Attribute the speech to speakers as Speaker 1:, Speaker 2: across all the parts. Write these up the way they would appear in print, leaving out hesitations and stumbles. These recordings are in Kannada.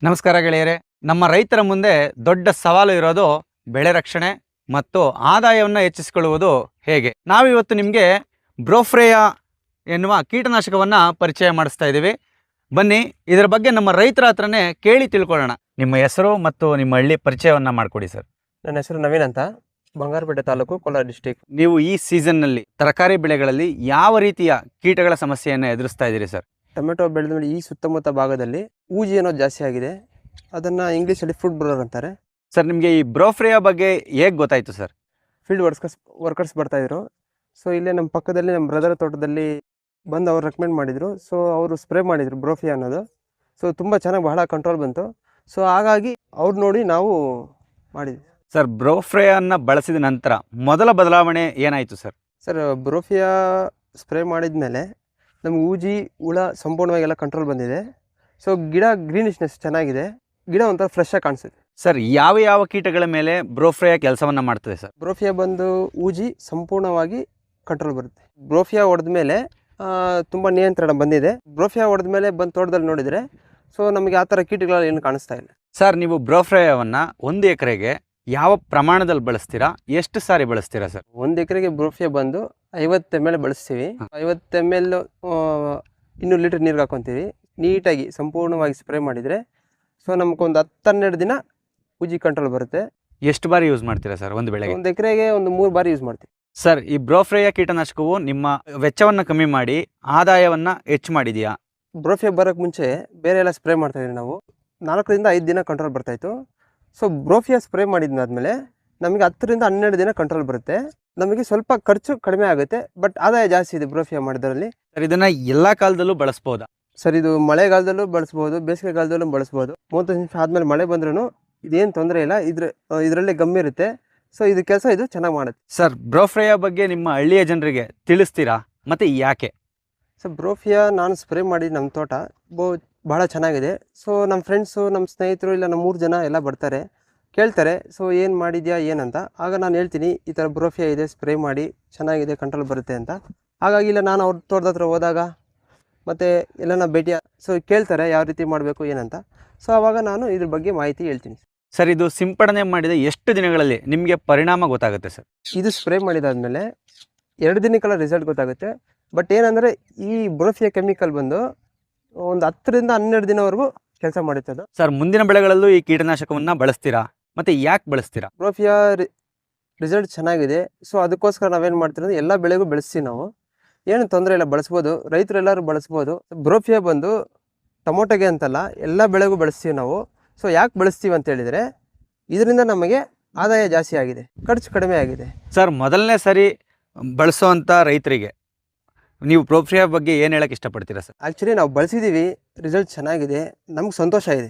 Speaker 1: ನಮಸ್ಕಾರ ಗೆಳೆಯರೆ. ನಮ್ಮ ರೈತರ ಮುಂದೆ ದೊಡ್ಡ ಸವಾಲು ಇರೋದು ಬೆಳೆ ರಕ್ಷಣೆ ಮತ್ತು ಆದಾಯವನ್ನು ಹೆಚ್ಚಿಸಿಕೊಳ್ಳುವುದು ಹೇಗೆ. ನಾವಿವತ್ತು ನಿಮಗೆ ಬ್ರೋಫ್ರೇಯಾ ಎನ್ನುವ ಕೀಟನಾಶಕವನ್ನು ಪರಿಚಯ ಮಾಡಿಸ್ತಾ ಇದ್ದೀವಿ. ಬನ್ನಿ ಇದರ ಬಗ್ಗೆ ನಮ್ಮ ರೈತರ ಹತ್ರನೇ ಕೇಳಿ ತಿಳ್ಕೊಳ್ಳೋಣ. ನಿಮ್ಮ ಹೆಸರು ಮತ್ತು ನಿಮ್ಮ ಹಳ್ಳಿ ಪರಿಚಯವನ್ನು ಮಾಡಿಕೊಡಿ ಸರ್.
Speaker 2: ನನ್ನ ಹೆಸರು ನವೀನ್ ಅಂತ, ಬಂಗಾರಪೇಟೆ ತಾಲೂಕು, ಕೋಲಾರ ಡಿಸ್ಟಿಕ್.
Speaker 1: ನೀವು ಈ ಸೀಸನ್ನಲ್ಲಿ ತರಕಾರಿ ಬೆಳೆಗಳಲ್ಲಿ ಯಾವ ರೀತಿಯ ಕೀಟಗಳ ಸಮಸ್ಯೆಯನ್ನು ಎದುರಿಸ್ತಾ ಇದ್ದೀರಿ ಸರ್?
Speaker 2: ಟೊಮೆಟೊ ಬೆಳೆದ ಮೇಲೆ ಈ ಸುತ್ತಮುತ್ತ ಭಾಗದಲ್ಲಿ ಊಜಿ ಅನ್ನೋದು ಜಾಸ್ತಿ ಆಗಿದೆ. ಅದನ್ನು ಇಂಗ್ಲೀಷಲ್ಲಿ ಫುಡ್ ಬ್ರೋಲರ್ ಅಂತಾರೆ.
Speaker 1: ಸರ್, ನಿಮಗೆ ಈ ಬ್ರೋಫ್ರೇಯಾ ಬಗ್ಗೆ ಹೇಗೆ ಗೊತ್ತಾಯಿತು ಸರ್?
Speaker 2: ಫೀಲ್ಡ್ ವರ್ಕರ್ಸ್ ಬರ್ತಾಯಿದ್ರು. ಸೊ ಇಲ್ಲೇ ನಮ್ಮ ಪಕ್ಕದಲ್ಲಿ ನಮ್ಮ ಬ್ರದರ್ ತೋಟದಲ್ಲಿ ಬಂದು ಅವ್ರು ರೆಕಮೆಂಡ್ ಮಾಡಿದರು. ಸೊ ಅವರು ಸ್ಪ್ರೇ ಮಾಡಿದರು ಬ್ರೋಫಿಯಾ ಅನ್ನೋದು. ಸೊ ತುಂಬ ಚೆನ್ನಾಗಿ ಬಹಳ ಕಂಟ್ರೋಲ್ ಬಂತು. ಸೊ ಹಾಗಾಗಿ ಅವ್ರು ನೋಡಿ ನಾವು ಮಾಡಿದ್ವಿ.
Speaker 1: ಸರ್, ಬ್ರೋಫ್ರೇಯಾನ ಬಳಸಿದ ನಂತರ ಮೊದಲ ಬದಲಾವಣೆ ಏನಾಯಿತು ಸರ್?
Speaker 2: ಸರ್, ಬ್ರೋಫಿಯಾ ಸ್ಪ್ರೇ ಮಾಡಿದ ಮೇಲೆ ನಮ್ಗೆ ಊಜಿ ಹುಳ ಸಂಪೂರ್ಣವಾಗಿ ಎಲ್ಲ ಕಂಟ್ರೋಲ್ ಬಂದಿದೆ. ಸೊ ಗಿಡ ಗ್ರೀನಿಶ್ನೆಸ್ ಚೆನ್ನಾಗಿದೆ, ಗಿಡ ಒಂಥರ ಫ್ರೆಶ್ ಆಗಿ ಕಾಣಿಸುತ್ತೆ.
Speaker 1: ಸರ್, ಯಾವ ಯಾವ ಕೀಟಗಳ ಮೇಲೆ ಬ್ರೋಫ್ರೇಯಾ ಕೆಲಸವನ್ನು ಮಾಡ್ತದೆ ಸರ್?
Speaker 2: ಬ್ರೋಫಿಯಾ ಬಂದು ಊಜಿ ಸಂಪೂರ್ಣವಾಗಿ ಕಂಟ್ರೋಲ್ ಬರುತ್ತೆ. ಬ್ರೋಫಿಯಾ ಹೊಡೆದ ಮೇಲೆ ತುಂಬ ನಿಯಂತ್ರಣ ಬಂದಿದೆ. ಬ್ರೋಫಿಯಾ ಹೊಡೆದ ಮೇಲೆ ಬಂದು ತೋಟದಲ್ಲಿ ನೋಡಿದರೆ ಸೊ ನಮಗೆ ಆ ಥರ ಕೀಟಗಳು ಏನು ಕಾಣಿಸ್ತಾ ಇಲ್ಲ.
Speaker 1: ಸರ್, ನೀವು ಬ್ರೋಫ್ರೇಯಾವನ್ನು 1 ಎಕರೆಗೆ ಯಾವ ಪ್ರಮಾಣದಲ್ಲಿ ಬಳಸ್ತೀರಾ, ಎಷ್ಟು ಸಾರಿ ಬಳಸ್ತೀರಾ ಸರ್?
Speaker 2: 1 ಎಕರೆಗೆ ಬ್ರೋಫಿಯಾ ಬಂದು 50 ml ಬಳಸ್ತೀವಿ. 50 ml 200 ಲೀಟರ್ ನೀರಿಗೆ ಹಾಕೊತೀವಿ. ನೀಟಾಗಿ ಸಂಪೂರ್ಣವಾಗಿ ಸ್ಪ್ರೇ ಮಾಡಿದರೆ ಸೊ ನಮಗೊಂದು 10-12 ದಿನ ಊಜಿ ಕಂಟ್ರೋಲ್ ಬರುತ್ತೆ.
Speaker 1: ಎಷ್ಟು ಬಾರಿ ಯೂಸ್ ಮಾಡ್ತೀರಾ ಸರ್ ಒಂದು ಬೆಳೆಗೆ?
Speaker 2: 1 ಎಕರೆಗೆ ಒಂದು 3 ಬಾರಿ ಯೂಸ್ ಮಾಡ್ತೀವಿ.
Speaker 1: ಸರ್, ಈ ಬ್ರೋಫ್ರೇಯಾ ಕೀಟನಾಶಕವು ನಿಮ್ಮ ವೆಚ್ಚವನ್ನು ಕಮ್ಮಿ ಮಾಡಿ ಆದಾಯವನ್ನು ಹೆಚ್ಚು ಮಾಡಿದೆಯಾ?
Speaker 2: ಬ್ರೋಫಿಯಾ ಬರೋಕ್ಕೆ ಮುಂಚೆ ಬೇರೆ ಎಲ್ಲ ಸ್ಪ್ರೇ ಮಾಡ್ತಾಯಿದ್ವಿ ನಾವು. 4ರಿಂದ 5 ದಿನ ಕಂಟ್ರೋಲ್ ಬರ್ತಾಯಿತ್ತು. ಸೊ ಬ್ರೋಫಿಯಾ ಸ್ಪ್ರೇ ಮಾಡಿದ್ಮೇಲೆ ನಮಗೆ 10ರಿಂದ 12 ದಿನ ಕಂಟ್ರೋಲ್ ಬರುತ್ತೆ. ನಮಗೆ ಸ್ವಲ್ಪ ಖರ್ಚು ಕಡಿಮೆ ಆಗುತ್ತೆ, ಬಟ್ ಆದಾಯ ಜಾಸ್ತಿ ಇದೆ ಬ್ರೋಫಿಯಾ ಮಾಡಿದ್ರಲ್ಲಿ.
Speaker 1: ಸರ್, ಇದನ್ನು ಎಲ್ಲ ಕಾಲದಲ್ಲೂ ಬಳಸ್ಬೋದಾ?
Speaker 2: ಸರ್, ಇದು ಮಳೆಗಾಲದಲ್ಲೂ ಬಳಸ್ಬೋದು, ಬೇಸಿಗೆಗಾಲದಲ್ಲೂ ಬಳಸ್ಬೋದು. 30 ನಿಮಿಷ ಆದಮೇಲೆ ಮಳೆ ಬಂದ್ರೂ ಇದೇನು ತೊಂದರೆ ಇಲ್ಲ. ಇದರಲ್ಲೇ ಗಮ್ಮಿ ಇರುತ್ತೆ. ಸೊ ಇದು ಕೆಲಸ ಇದು ಚೆನ್ನಾಗಿ ಮಾಡುತ್ತೆ.
Speaker 1: ಸರ್, ಬ್ರೋಫ್ರೇಯಾ ಬಗ್ಗೆ ನಿಮ್ಮ ಹಳ್ಳಿಯ ಜನರಿಗೆ ತಿಳಿಸ್ತೀರಾ ಮತ್ತು ಯಾಕೆ?
Speaker 2: ಸರ್, ಬ್ರೋಫಿಯಾ ನಾನು ಸ್ಪ್ರೇ ಮಾಡಿ ನಮ್ಮ ತೋಟ ಭಾಳ ಚೆನ್ನಾಗಿದೆ. ಸೊ ನಮ್ಮ ಫ್ರೆಂಡ್ಸು, ನಮ್ಮ ಸ್ನೇಹಿತರು, ಇಲ್ಲ ನಮ್ಮ 3 ಜನ ಎಲ್ಲ ಬರ್ತಾರೆ, ಕೇಳ್ತಾರೆ ಸೊ ಏನು ಮಾಡಿದ್ಯಾ ಏನಂತ. ಆಗ ನಾನು ಹೇಳ್ತೀನಿ ಈ ಥರ ಬ್ರೋಫಿಯಾ ಇದೆ, ಸ್ಪ್ರೇ ಮಾಡಿ ಚೆನ್ನಾಗಿದೆ, ಕಂಟ್ರೋಲ್ ಬರುತ್ತೆ ಅಂತ. ಹಾಗಾಗಿ ಇಲ್ಲ ನಾನು ಅವ್ರ ತೋಟದ ಹತ್ರ ಹೋದಾಗ ಮತ್ತು ಎಲ್ಲ ಭೇಟಿ ಸೊ ಕೇಳ್ತಾರೆ ಯಾವ ರೀತಿ ಮಾಡಬೇಕು ಏನಂತ. ಸೊ ಆವಾಗ ನಾನು ಇದ್ರ ಬಗ್ಗೆ ಮಾಹಿತಿ ಹೇಳ್ತೀನಿ.
Speaker 1: ಸರ್, ಇದು ಸಿಂಪಡಣೆ ಮಾಡಿದ ಎಷ್ಟು ದಿನಗಳಲ್ಲಿ ನಿಮಗೆ ಪರಿಣಾಮ ಗೊತ್ತಾಗುತ್ತೆ ಸರ್?
Speaker 2: ಇದು ಸ್ಪ್ರೇ ಮಾಡಿದಾದ್ಮೇಲೆ 2 ದಿನಕ್ಕೆಲ್ಲ ರಿಸಲ್ಟ್ ಗೊತ್ತಾಗುತ್ತೆ. ಬಟ್ ಏನಂದರೆ ಈ ಬ್ರೋಫಿಯಾ ಕೆಮಿಕಲ್ ಬಂದು ಒಂದು 10ರಿಂದ 12 ದಿನವರೆಗೂ ಕೆಲಸ ಮಾಡುತ್ತೆ ಅದು.
Speaker 1: ಸರ್, ಮುಂದಿನ ಬೆಳೆಗಳಲ್ಲೂ ಈ ಕೀಟನಾಶಕವನ್ನು ಬಳಸ್ತೀರಾ ಮತ್ತು ಯಾಕೆ ಬಳಸ್ತೀರಾ?
Speaker 2: ಬ್ರೋಫಿಯಾ ರಿಸಲ್ಟ್ ಚೆನ್ನಾಗಿದೆ. ಸೊ ಅದಕ್ಕೋಸ್ಕರ ನಾವೇನು ಮಾಡ್ತೀವಿ ಅಂದರೆ ಎಲ್ಲ ಬೆಳೆಗೂ ಬೆಳೆಸ್ತೀವಿ ನಾವು. ಏನು ತೊಂದರೆ ಇಲ್ಲ, ಬಳಸ್ಬೋದು, ರೈತರು ಎಲ್ಲರೂ ಬಳಸ್ಬೋದು. ಬ್ರೋಫಿಯಾ ಬಂದು ಟೊಮೊಟೊಗೆ ಅಂತಲ್ಲ, ಎಲ್ಲ ಬೆಳೆಗೂ ಬಳಸ್ತೀವಿ ನಾವು. ಸೊ ಯಾಕೆ ಬಳಸ್ತೀವಿ ಅಂತ ಹೇಳಿದರೆ ಇದರಿಂದ ನಮಗೆ ಆದಾಯ ಜಾಸ್ತಿ ಆಗಿದೆ, ಖರ್ಚು ಕಡಿಮೆ ಆಗಿದೆ.
Speaker 1: ಸರ್, ಮೊದಲನೇ ಸರಿ ಬಳಸುವಂಥ ರೈತರಿಗೆ ನೀವು ಬ್ರೋಫ್ರೇಯಾ ಬಗ್ಗೆ ಏನು ಹೇಳಕ್ಕೆ ಇಷ್ಟಪಡ್ತೀರಾ ಸರ್?
Speaker 2: ಆ್ಯಕ್ಚುಲಿ ನಾವು ಬಳಸಿದ್ದೀವಿ, ರಿಸಲ್ಟ್ ಚೆನ್ನಾಗಿದೆ, ನಮ್ಗೆ ಸಂತೋಷ ಇದೆ.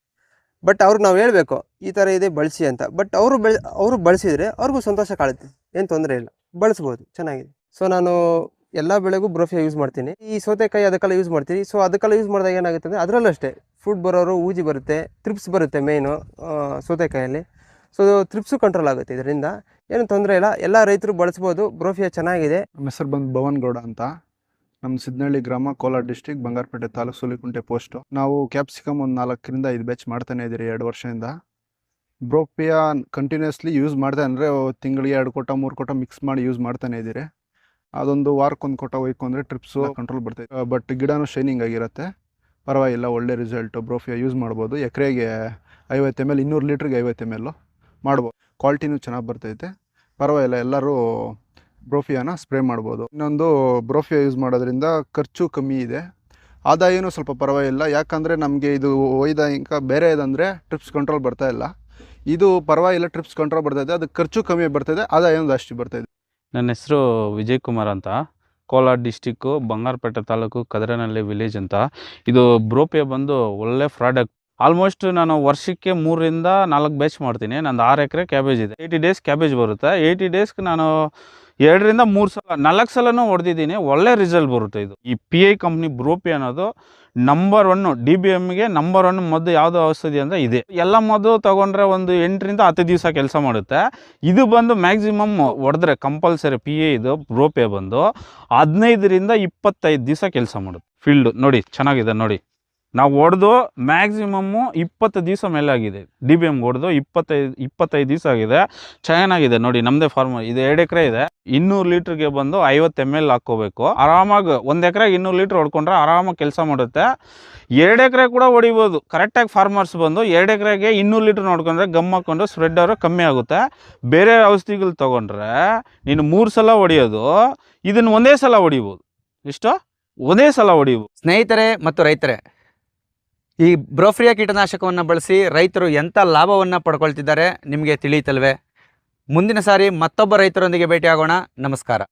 Speaker 2: ಬಟ್ ಅವ್ರಿಗೆ ನಾವು ಹೇಳಬೇಕು ಈ ಥರ ಇದೆ ಬಳಸಿ ಅಂತ. ಬಟ್ ಅವರು ಬಳಸಿದರೆ ಅವ್ರಿಗೂ ಸಂತೋಷ ಕಾಣುತ್ತೆ, ಏನು ತೊಂದರೆ ಇಲ್ಲ, ಬಳಸ್ಬೋದು, ಚೆನ್ನಾಗಿದೆ. ಸೊ ನಾನು ಎಲ್ಲ ಬೆಳೆಗೂ ಬ್ರೋಫಿಯಾ ಯೂಸ್ ಮಾಡ್ತೀನಿ. ಈ ಸೌತೆಕಾಯಿ ಅದಕ್ಕೆಲ್ಲ ಯೂಸ್ ಮಾಡ್ತೀನಿ. ಸೊ ಅದಕ್ಕೆಲ್ಲ ಯೂಸ್ ಮಾಡಿದಾಗ ಏನಾಗುತ್ತೆ ಅಂದರೆ ಅದರಲ್ಲೂ ಅಷ್ಟೇ ಫುಡ್ ಬರೋರು, ಊಜಿ ಬರುತ್ತೆ, ತ್ರಿಪ್ಸ್ ಬರುತ್ತೆ ಮೇಯ್ನು ಸೌತೆಕಾಯಲ್ಲಿ. ಸೊ ತ್ರಿಪ್ಸು ಕಂಟ್ರೋಲ್ ಆಗುತ್ತೆ ಇದರಿಂದ, ಏನು ತೊಂದರೆ ಇಲ್ಲ, ಎಲ್ಲ ರೈತರು ಬಳಸ್ಬೋದು, ಬ್ರೋಫಿಯಾ ಚೆನ್ನಾಗಿದೆ.
Speaker 3: ನಮ್ಮ ಹೆಸರು ಬಂದು ಭವನ್ ಗೌಡ ಅಂತ, ನಮ್ಮ ಸಿದ್ನಹಳ್ಳಿ ಗ್ರಾಮ, ಕೋಲಾರ ಡಿಸ್ಟಿಕ್, ಬಂಗಾರಪೇಟೆ ತಾಲೂಕು, ಸೂಲಿಕುಂಟೆ ಪೋಸ್ಟು. ನಾವು ಕ್ಯಾಪ್ಸಿಕಮ್ ಒಂದು 4ರಿಂದ 5 ಬ್ಯಾಚ್ ಮಾಡ್ತಾನೆ ಇದ್ದೀರಿ 2 ವರ್ಷದಿಂದ. ಬ್ರೋಫಿಯಾ ಕಂಟಿನ್ಯೂಸ್ಲಿ ಯೂಸ್ ಮಾಡ್ದೆ ಅಂದರೆ ತಿಂಗಳಿಗೆ 2 ಕೋಟ 3 ಕೋಟ ಮಿಕ್ಸ್ ಮಾಡಿ ಯೂಸ್ ಮಾಡ್ತಾನೆ ಇದ್ದೀರಿ. ಅದೊಂದು ವಾರಕ್ಕೊಂದು ಕೋಟ ಒಯ್ಕೊಂಡ್ರೆ ಟ್ರಿಪ್ಸು ಕಂಟ್ರೋಲ್ ಬರ್ತೈತೆ. ಬಟ್ ಗಿಡನೂ ಶೈನಿಂಗ್ ಆಗಿರುತ್ತೆ, ಪರವಾಗಿಲ್ಲ, ಒಳ್ಳೆ ರಿಸಲ್ಟು. ಬ್ರೋಫಿಯಾ ಯೂಸ್ ಮಾಡ್ಬೋದು. ಎಕರೆಗೆ 50 ml 200 ಲೀಟ್ರಿಗೆ 50 ml ಮಾಡ್ಬೋದು. ಕ್ವಾಲಿಟಿನೂ ಚೆನ್ನಾಗಿ ಬರ್ತೈತೆ, ಪರವಾಗಿಲ್ಲ, ಎಲ್ಲರೂ ಬ್ರೋಫಿಯಾನ ಸ್ಪ್ರೇ ಮಾಡ್ಬೋದು. ಇನ್ನೊಂದು, ಬ್ರೋಫಿಯಾ ಯೂಸ್ ಮಾಡೋದ್ರಿಂದ ಖರ್ಚು ಕಮ್ಮಿ ಇದೆ, ಆದಾಯನೂ ಸ್ವಲ್ಪ ಪರವಾಗಿಲ್ಲ. ಯಾಕಂದರೆ ನಮಗೆ ಇದು ಒಯ್ದ ಬೇರೆ ಇದಂದರೆ ಟ್ರಿಪ್ಸ್ ಕಂಟ್ರೋಲ್ ಬರ್ತಾ ಇಲ್ಲ, ಇದು ಪರವಾಗಿಲ್ಲ, ಟ್ರಿಪ್ಸ್ ಕಂಟ್ರೋಲ್ ಬರ್ತೈತೆ, ಅದಕ್ಕೆ ಖರ್ಚು ಕಮ್ಮಿ ಬರ್ತೈತೆ, ಆದಾಯನೂ ಜಾಸ್ತಿ ಬರ್ತೈತೆ.
Speaker 4: ನನ್ನ ಹೆಸರು ವಿಜಯ್ ಕುಮಾರ್ ಅಂತ, ಕೋಲಾರ ಡಿಸ್ಟಿಕ್ಕು, ಬಂಗಾರಪೇಟೆ ತಾಲೂಕು, ಕದರನಹಳ್ಳಿ ವಿಲೇಜ್ ಅಂತ. ಇದು ಬ್ರೋಫಿಯಾ ಬಂದು ಒಳ್ಳೆ ಪ್ರಾಡಕ್ಟ್. ಆಲ್ಮೋಸ್ಟ್ ನಾನು ವರ್ಷಕ್ಕೆ 3ರಿಂದ 4 ಬ್ಯಾಚ್ ಮಾಡ್ತೀನಿ. ನಂದು 6 ಎಕರೆ ಕ್ಯಾಬೇಜ್ ಇದೆ. 80 ಡೇಸ್ ಕ್ಯಾಬೇಜ್ ಬರುತ್ತೆ. 80 ಡೇಸ್ಗೆ ನಾನು 2ರಿಂದ 3 ಸಲ 4 ಸಲನೂ ಹೊಡೆದಿದ್ದೀನಿ. ಒಳ್ಳೆ ರಿಸಲ್ಟ್ ಬರುತ್ತೆ. ಇದು ಈ PI ಕಂಪ್ನಿ ಬ್ರೋಫಿಯಾ ಅನ್ನೋದು ನಂಬರ್ 1 DBMಗೆ ನಂಬರ್ 1 ಮದ್ದು ಯಾವುದು ಔಷಧಿ ಅಂದರೆ ಇದೆ. ಎಲ್ಲ ಮದ್ದು ತೊಗೊಂಡ್ರೆ ಒಂದು 8ರಿಂದ 10 ದಿವಸ ಕೆಲಸ ಮಾಡುತ್ತೆ. ಇದು ಬಂದು ಮ್ಯಾಕ್ಸಿಮಮ್ ಹೊಡೆದ್ರೆ ಕಂಪಲ್ಸರಿ PI ಇದು ಬ್ರೋಫಿಯಾ ಬಂದು 15ರಿಂದ 25 ದಿವಸ ಕೆಲಸ ಮಾಡುತ್ತೆ. ಫೀಲ್ಡ್ ನೋಡಿ ಚೆನ್ನಾಗಿದೆ, ನೋಡಿ ನಾವು ಹೊಡೆದು ಮ್ಯಾಕ್ಸಿಮಮ್ಮು 20 ದಿವಸ ಮೇಲೆ ಆಗಿದೆ. DBM ಹೊಡೆದು 25 ದಿವಸ ಆಗಿದೆ. ಚೆನ್ನಾಗಿದೆ ನೋಡಿ. ನಮ್ಮದೇ ಫಾರ್ಮ್ ಇದು 2 ಎಕರೆ ಇದೆ. 200 ಲೀಟ್ರಿಗೆ ಬಂದು 50 ml ಹಾಕ್ಕೋಬೇಕು. ಆರಾಮಾಗಿ 1 ಎಕರೆಗೆ 200 ಲೀಟ್ರ್ ಹೊಡ್ಕೊಂಡ್ರೆ ಆರಾಮಾಗಿ ಕೆಲಸ ಮಾಡುತ್ತೆ. 2 ಎಕರೆ ಕೂಡ ಹೊಡಿಬೋದು. ಕರೆಕ್ಟಾಗಿ ಫಾರ್ಮರ್ಸ್ ಬಂದು 2 ಎಕರೆಗೆ 200 ಲೀಟ್ರ್ ನೋಡ್ಕೊಂಡ್ರೆ ಗಮ್ ಹಾಕ್ಕೊಂಡು ಸ್ಪ್ರೆಡ್ಡರು ಕಮ್ಮಿ ಆಗುತ್ತೆ. ಬೇರೆ ಔಷಧಿಗಳು ತೊಗೊಂಡ್ರೆ ನೀನು 3 ಸಲ ಹೊಡಿಯೋದು, ಇದನ್ನು ಒಂದೇ ಸಲ ಹೊಡಿಬೋದು. ಇಷ್ಟು ಒಂದೇ ಸಲ ಹೊಡಿಬೋದು.
Speaker 1: ಸ್ನೇಹಿತರೆ ಮತ್ತು ರೈತರೇ, ಈ ಬ್ರೋಫ್ರಿಯಾ ಕೀಟನಾಶಕವನ್ನು ಬಳಸಿ ರೈತರು ಎಂಥ ಲಾಭವನ್ನು ಪಡ್ಕೊಳ್ತಿದ್ದಾರೆ ನಿಮಗೆ ತಿಳಿಯುತ್ತಲ್ವೇ? ಮುಂದಿನ ಸಾರಿ ಮತ್ತೊಬ್ಬ ರೈತರೊಂದಿಗೆ ಭೇಟಿಯಾಗೋಣ. ನಮಸ್ಕಾರ.